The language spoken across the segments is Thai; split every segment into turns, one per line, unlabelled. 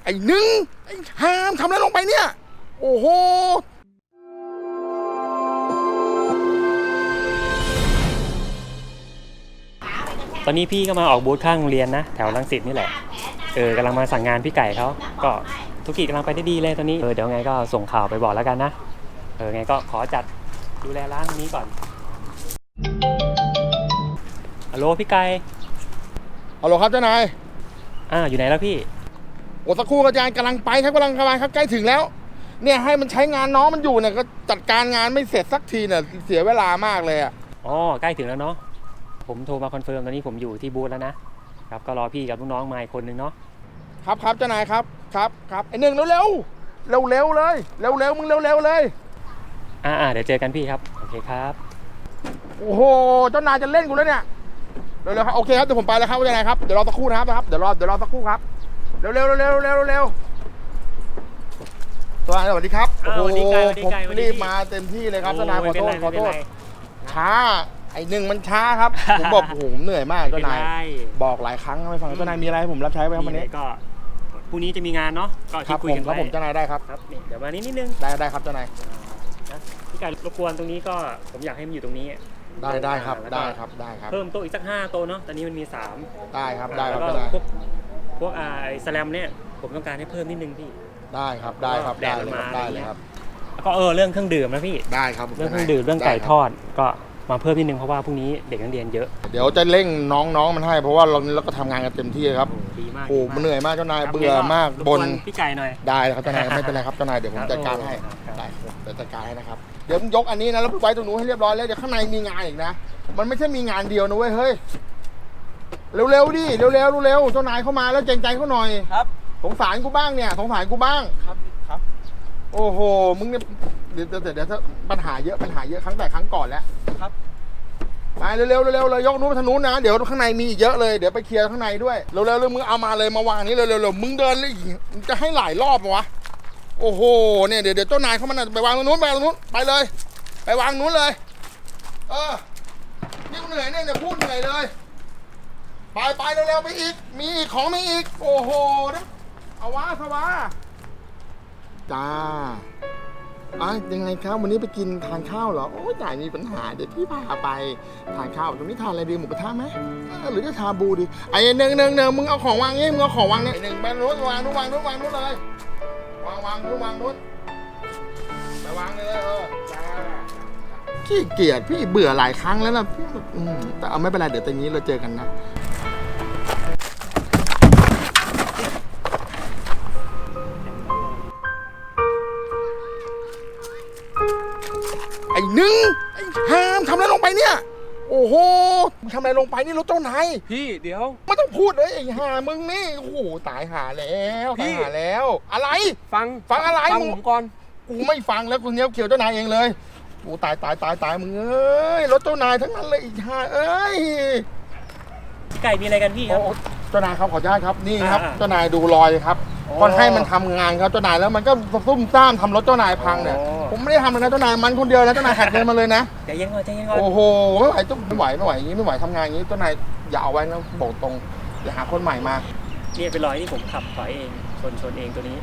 อ้หนึ่งไอ้หามทำอะไรลงไปเนี่ยโอ้โห
ตอนนี้พี่ก็มาออกบูธข้างโรงเรียนนะแถวรังสิตนี่แหละกำลังมาสั่งงานพี่ไก่เขาก็ธุรกิจกำลังไปได้ดีเลยตอนนี้เดี๋ยวไงก็ส่งข่าวไปบอกแล้วกันนะไงก็ขอจัดดูแลร้านนี้ก่อนฮัลโหลพี่ไก่
ฮัลโหลครับเจ้านาย
อยู่ไหนแล้วพี่
โอ้สักครู่อาจารย์กำลังไปครับครับใกล้ถึงแล้วเนี่ยให้มันใช้งานน้องมันอยู่เนี่ยก็จัดการงานไม่เสร็จสักทีเนี่ยเสียเวลามากเลยอ่ะ
ใกล้ถึงแล้วเนาะผมโทรมาคอนเฟิร์มตอนนี้ผมอยู่ที่บูธแล้วนะครับก็รอพี่กับลูกน้องมาอีกคนนึงเนาะ
ครับเจ้านายครับไอ้หนึ่งเร็วเลยมึงเร็วเลย
เดี๋ยวเจอกันพี่ครับโอเคครับ
โอ้โหเจ้านายจะเล่นกูแล้วเนี่ยเร็วครับโอเคครับเดี๋ยวผมไปแล้วครับเจ้านายครับเดี๋ยวรอสักครู่นะครับเดี๋ยวรอสักครู่ครับเร็วสวัสดีครับ
โอ้โหผม
รีบมาเต็มที่เลยครับเจ้านายขอโทษช้าไอ้หนึ่งมันช้าครับผมบอกโอ้โหเหนื่อยมากเจ้านายบอกหลายครั้งไม่ฟังเจ้านายมีอะไรให้ผมรับใช้ไหมครับวันนี้
ก็พรุ่งนี้จะมีงานเนาะก็ที่คุยกันไว้
ผมเจ้านายได้ครับ
นี่เดี๋ยวมานิดนึง
ได้ครับเจ้านาย
พี่ไก่รบกวนตรงนี้ก็ผมอยากให้มันอยู่ตรงนี้
ได้ครับ
เพิ่มโต๊ะอีกสัก5โต๊ะเนาะตอนนี้มันมี3
ได้ครับเจ้
าน
าย
พวกสแลมเนี่ยผมต้องการให้เพิ่มนิดนึงพี่
ได้ครับได้เลยครับ
แล้วก็เรื่องเครื่องดื่มนะพี่
ได้ครับ
เรื่องเครื่องดื่มเรื่องไก่ทอดก็มาเพิ่มนิดนึงเพราะว่าพรุ่งนี้เด็กนักเรียนเยอะ
เดี๋ยวจะเร่งน้องมันให้เพราะว่าเราก็ทำงานกันเต็มที่ครับ
ดีมาก
โอ้มันเหนื่อยมากเจ้านายเบื่อมากบน
พี่ไก่หน่อย
ได้ครับเจ้านายไม่เป็นไรครับเจ้านายเดี๋ยวผมจัดการให้ได้เดี๋ยวจัดการให้นะครับเดี๋ยวมึงยกอันนี้นะแล้วไว้ตรงนู้นให้เรียบร้อยแล้วเดี๋ยวข้างในมีงานอีกนะมันไม่ใช่มีงานเดียวนะเว้ยเฮ้ยเร็วดิเร็วเจ้านายเข้ามาแล้วเกรงใจเขาหน่อย
ครับ
สงสารกูบ้างเนี่ยสงสารกูบ้าง
ครับ
โอ้โหมึงเนี่ยเดี๋ยวปัญหาเยอะครั้งก่อนแล้ว
ครับ
ไปเร็วเลยยกนู้นไปทางนู้นนะเดี๋ยวข้างในมีอีกเยอะเลยเดี๋ยวไปเคลียร์ข้างในด้วยเร็วมึงเอามาเลยมาวางนี้เร็วมึงเดินเลยจะให้หลายรอบวะโอ้โหเนี่ยเดี๋ยวเจ้านายเขามันไปวางตรงนู้นไปเลยไปวางนู้นเลยนี่กูเหนื่อยเนี่ยพูดเหนื่อยเลยไปเร็วไปอีกมีอีกของมีอีกโอ้โหเอาวะสวะจ้ายังไงครับวันนี้ไปกินทานข้าวเหรอโอ้ยจ่ายมีปัญหาเดี๋ยวพี่พาไปทานข้าวตรงนี้ทานอะไรดีหมูกระทะไหมหรือจะชาบูดีไอ้หนึ่งมึงเอาของวางงี้มึงเอาของวางเนี่ยหนึ่งไปนู้นวางนู้นเลยวางนู้นไปวางเลยจ้าขี้เกียจพี่เบื่อหลายครั้งแล้วนะพี่แต่เอาไม่เป็นไรเดี๋ยวตอนนี้เราเจอกันนะไอ้หนึ่งไอ้หามทำอะไรลงไปเนี่ยโอ้โหมึงทำอะไรลงไปนี่รถเจ้านาย
พี่เดี๋ยว
ไม่ต้องพูดเลยไอ้ห่ามึงนี่โอ้โหตายหาแล้วอะไรฟังอะไร
มึงก่อน
กูไม่ฟังแล้วกูเนี้ยเขียวเจ้านายเองเลยโอ้ตายมึงเอ้ยรถเจ้านายทั้งนั้นเลยไอ้ห่าเอ้ย
ไก่มีอะไรกันพี่ครับ
เจ้านายครับขออนุญาตครับนี่ครับเจ้านายดูรอยครับก็ให้มันทำงานครับเจ้านายแล้วมันก็ซุ่มซ่ามทำรถเจ้านายพังเนี่ยผมไม่ได้ทำเลยนะเจ้านายมันคนเดียวนะเจ้านายหักเงินมาเลยนะ
ใจเย็นก่อน
โอ้โหไม่ไหวอย่างนี้ไม่ไหวทำงานอย่างนี้เจ้านายอย่าเอาไว้นะบอกตรงอย่าหาคนใหม่มา
เนี่ยเป็นรอยที่ผมขับถอยเองชนเองตัวนี้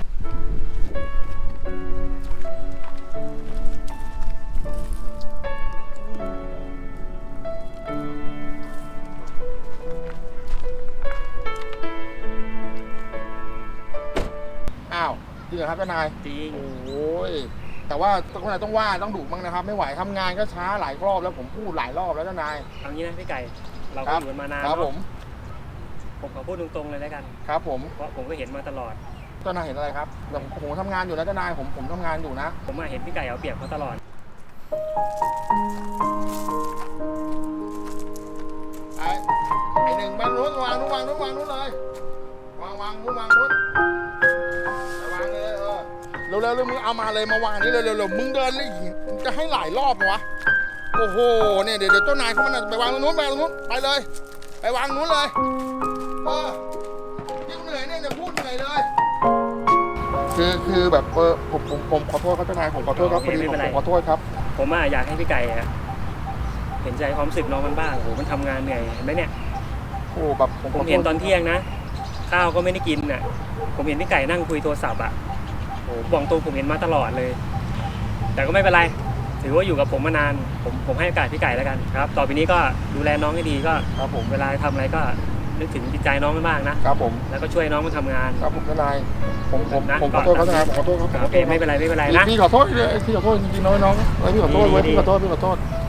จริงเหรอครับเจ้านาย
จริง
โอ้ยแต่ว่าเจ้านายต้องว่าต้องดุบ้างนะครับไม่ไหวทำงานก็ช้าหลายรอบแล้วผมพูดหลายรอบแล้วเจ้านาย
เอางี้นะพี่ไก่เราก็อยู่มานาน
ครับผม
ขอพูดตรงๆเลยแล้วกัน
ครับผม
เพราะผมก็เห็นมาตลอด
เจ้านายเห็นอะไรครับแต่ผมทำงานอยู่นะเจ้านายผมทำงานอยู่นะ
ผมเห็นพี่ไก่เอาเปรียบเขาตลอด
ไอ้หนึ่งไปนู้นวางนู้นเลยวางนู้นไปวางเลยเร็วมึงเอามาเลยมาวางนี้เร็วมึงเดินเลยจะให้หลายรอบวะโอ้โหเนี่ยเดี๋ยวเจ้านายเขามันไปวางตรงนู้นไปเลยไปวางนู้นเลยนี่กูเหนื่อยเนี่ยพูดเหนื่อยเลยคือแบบผมขอโทษครับเจ้านายผมขอโทษครับพอดีผมขอโทษครับ
ผมอยากให้พี่ไก่เห็นใจความรู้สึกน้องมันบ้างโอ้โหมันทำงานเหนื่อยเห็นไหมเนี่ย
โอ้แบบ
ผมเห็นตอนเที่ยงนะข้าวก็ไม่ได้กินน่ะผมเห็นพี่ไก่นั่งคุยโทรศัพท์อ่ะโอ้บอกตรงผมเห็นมาตลอดเลย แต่ก็ไม่เป็นไรถือว่าอยู่กับผมมานานผมให้โอกาสพี่ไก่แล้วกันครับต่อไปนี้ก็ดูแลน้องให้ดีก็
ครับผม
เวลาทำอะไรก็นึกถึงจิตใจน้องมากๆนะครับ
ผม
แล้วก็ช่วยน้องมาทำงาน
ครับผมทนายผม
นะ
ขอโทษครับทนายผมขอโทษครับ
โอเคไม่เป็นไรนะ
พี่ขอโทษเลยพี่ขอโทษจริงๆน้องๆพี่ขอโทษไว้พี่ขอโทษ